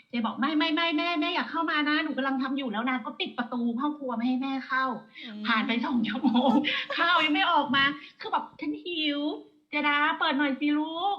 เจบอกไม่อยากเข้ามานะหนูกำลังทำอยู่แล้วนางก็ปิดประตูห้องครัวไม่ให้แม่เข้าผ่านไป2 ชั่วโมงข้าวยังไม่ออกมาคือแบบฉันหิวเจดาเปิดหน่อยสิลูก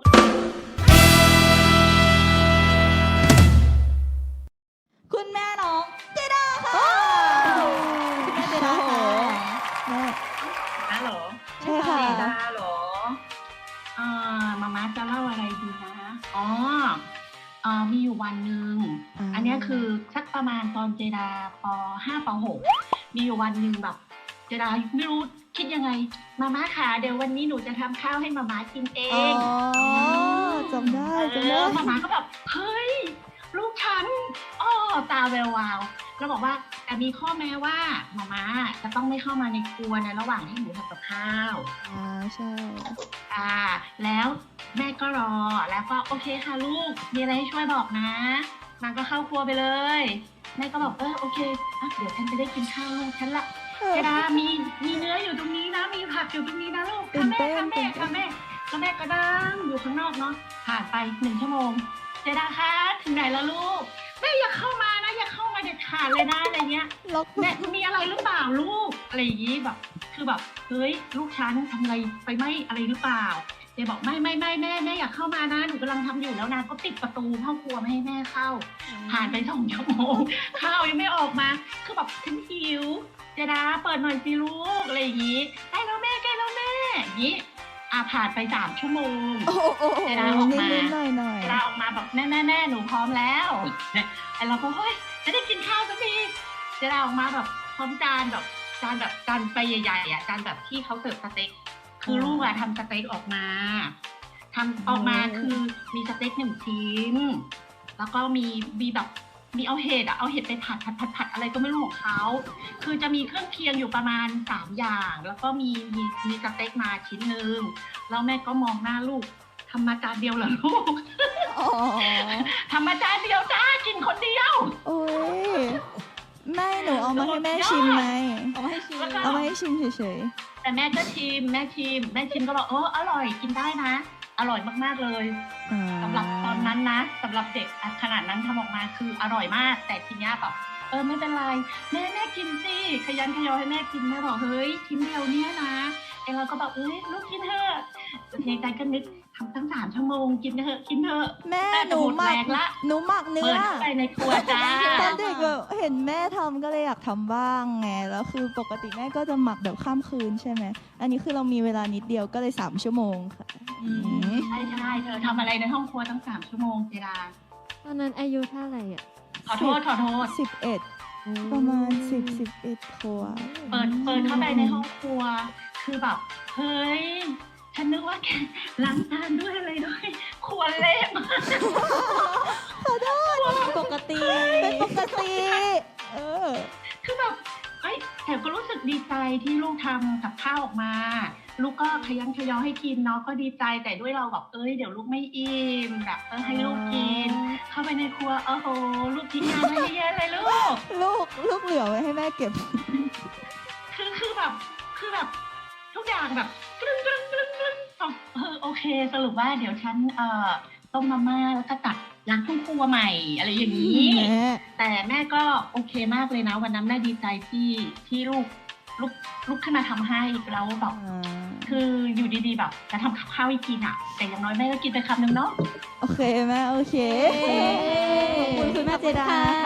คุณแม่น้องเจด้าค่ะคุณแม่เจด้าค่ะแม่นะเหรอใช่ค่ะเจดาเหรอมาม่าจะเล่าอะไรดีนะอ๋อมีอยู่วันหนึ่งอันนี้คือสักประมาณตอนเจดาป.5 ป.6มีอยู่วันหนึ่งแบบเจดาไม่รู้คิดยังไงมาม่าค่ะเดี๋ยววันนี้หนูจะทำข้าวให้มาม่ากินเองจำได้มาม่าก็แบบเฮ้ยลูกฉันตาแวววาวแล้วบอกว่าแต่มีข้อแม้ว่ามาม่าจะต้องไม่เข้ามาในครัวในระหว่างที่หนูทำกับข้าวใช่แล้วแม่ก็รอแล้วก็โอเคค่ะลูกมีอะไรให้ช่วยบอกนะนางก็เข้าครัวไปเลยแม่ก็บอกโอเคเดี๋ยวฉันจะได้กินข้าวลูกฉันละเจดามีเนื้ออยู่ตรงนี้นะมีผักอยู่ตรงนี้นะลูกค่ะแม่แล้วแม่ก็ดังอยู่ข้างนอกเนาะผ่านไป1 ชั่วโมงเจดาคะถึงไหนแล้วลูกแม่อย่าเข้ามานะอย่าเข้ามาเด็ดขาดเลยนะอะไรเงี้ยแม่มีอะไรหรือเปล่าลูกอะไรอย่างงี้แบบคือแบบเฮ้ยลูกฉันทำอะไรไปไม่อะไรหรือเปล่าเจบอกไม่แม่อยากเข้ามานะหนูกำลังทำอยู่แล้วนางก็ปิดประตูห้องครัวไม่ให้แม่เข้าผ่านไป2 ชั่วโมงข้าวยังไม่ออกมาคือแบบฉันหิวเจดาเปิดหน่อยสิลูกอะไรอย่างงี้ใกล้แล้วแม่อย่างงี้ผ่านไป3 ชั่วโมงเจดาออกมาเจดาออกมาแบบแม่หนูพร้อมแล้วไอเราก็เฮ้ยจะได้กินข้าวสักทีเจดาออกมาแบบพร้อมจานไปใหญ่ๆจานแบบที่เขาเสิร์ฟสเต็กคือลูกทำสเต็กออกมาคือมีสเต็ก1 ชิ้นแล้วก็มีแบบมีเอาเห็ดไปผัดอะไรก็ไม่รู้ของเขาคือจะมีเครื่องเคียงอยู่ประมาณ3 อย่างแล้วก็มีสเต็กมาชิ้นนึงแล้วแม่ก็มองหน้าลูกทำมาจานเดียวเหรอลูกทำมาจานเดียวจ้ากินคนเดียวโอ้ยแม่หนูเอามาให้แม่ชิมไหมเอามาให้ชิมเฉยๆแต่แม่ก็ชิมแม่ชิมก็บอกอร่อยกินได้นะอร่อยมากๆเลยสำหรับตอนนั้นนะสำหรับเด็กขนาดนั้นทำออกมาคืออร่อยมากแต่ทีนี้แบบไม่เป็นไรแม่กินสิขยันขยอให้แม่กินแม่บอกเฮ้ยชิ้นเดียวเนี้ยนะเราก็บอกลูกกินเถอะในใจก็นึกทำตั้ง3 ชั่วโมงกินเถอะแม่หนูหมักเนื้อเปิดไปในครัวจ้าตอนเด็กแบบเห็นแม่ทำก็เลยอยากทำบ้างไงแล้วคือปกติแม่ก็จะหมักแบบข้ามคืนใช่ไหมอันนี้คือเรามีเวลานิดเดียวก็เลย3 ชั่วโมงค่ะใช่เธอทำอะไรในห้องครัวตั้ง3 ชั่วโมงเจดาตอนนั้นอายุเท่าไหร่อ่ะขอโทษ 11ประมาณ11 ขวบเปิดเข้าไปในห้องครัวคือแบบเฮ้ยฉันนึกว่าแกล้างจานด้วยอะไรด้วยครัวเละมากขอโทษเป็นปกติคือแบบแต่ก็รู้สึกดีใจที่ลูกทำกับข้าวออกมาลูกก็ขยันขยอให้กินเนาะก็ดีใจแต่ด้วยเราแบบเดี๋ยวลูกไม่อิ่มแบบให้ลูกกินเข้าไปในครัวโอ้โหลูกทิ้งงานไว้เยอะเลยลูกเหลือไว้ให้แม่เก็บคือแบบทุกอย่างแบบกรึ๊งโอเคสรุปว่าเดี๋ยวฉันต้มมาม่าแล้วก็ตักล้างครัวใหม่อะไรอย่างนี้แต่แม่ก็โอเคมากเลยนะวันนั้นแม่ดีใจที่ลูกขึ้นมาทำให้แล้วแบบคืออยู่ดีๆแบบจะทำข้าวให้กินอ่ะแต่อย่างน้อยแม่ก็กินไปคำนึงเนาะโอเคแม่โอเคขอบคุณคุณแม่เจดา